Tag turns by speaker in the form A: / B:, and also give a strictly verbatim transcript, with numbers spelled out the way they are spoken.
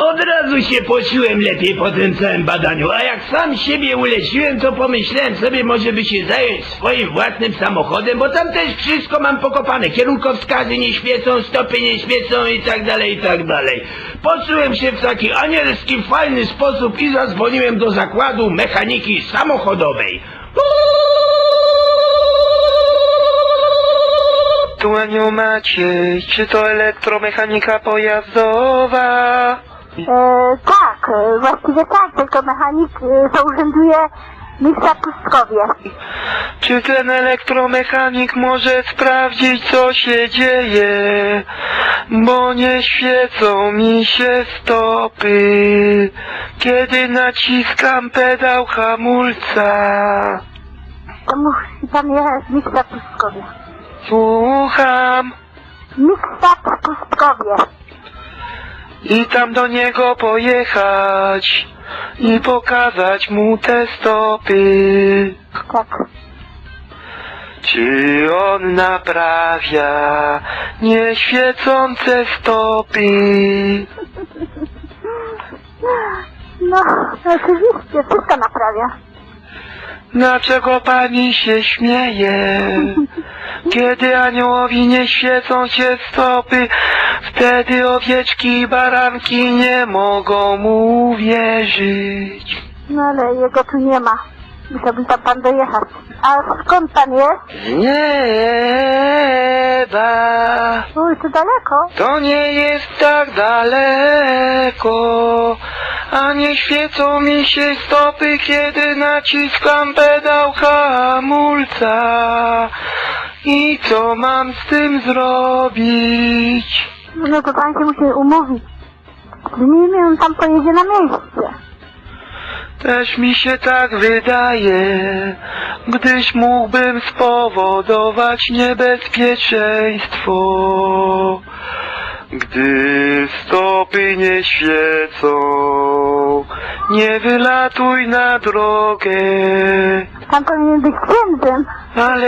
A: Od razu się poczułem lepiej po tym całym badaniu, a jak sam siebie uleciłem, to pomyślałem sobie, może by się zająć swoim własnym samochodem, bo tam też wszystko mam pokopane. Kierunkowskazy nie świecą, stopy nie świecą i tak dalej, i tak dalej. Poczułem się w taki anielski, fajny sposób i zadzwoniłem do zakładu mechaniki samochodowej.
B: Tu Aniu Maciej, czy to elektromechanika pojazdowa?
C: E, tak, e, właściwie tak, tylko mechanik e, to urzęduje mistrza Pustkowie.
B: Czy ten elektromechanik może sprawdzić, co się dzieje? Bo nie świecą mi się stopy, kiedy naciskam pedał hamulca.
C: To musi pan jechać mistrza Pustkowie.
B: Słucham.
C: Mistrza Pustkowie.
B: I tam do niego pojechać i pokazać mu te stopy.
C: Tak.
B: Czy on naprawia nieświecące stopy?
C: No, oczywiście, wszystko naprawia.
B: Dlaczego pani się śmieje? Kiedy aniołowi nie świecą się stopy, wtedy owieczki i baranki nie mogą mu uwierzyć.
C: No ale jego tu nie ma. Musiałby tam pan dojechać. A skąd pan jest?
B: Z nieba.
C: Uj, to daleko.
B: To nie jest tak daleko, a nie świecą mi się stopy, kiedy naciskam pedał hamulca. I co mam z tym zrobić?
C: No to pan się musi umówić. Z nim on tam pojedzie na miejsce.
B: Też mi się tak wydaje, gdyż mógłbym spowodować niebezpieczeństwo. Gdy stopy nie świecą, nie wylatuj na drogę.
C: Pan powinien być księdzem.
B: Ale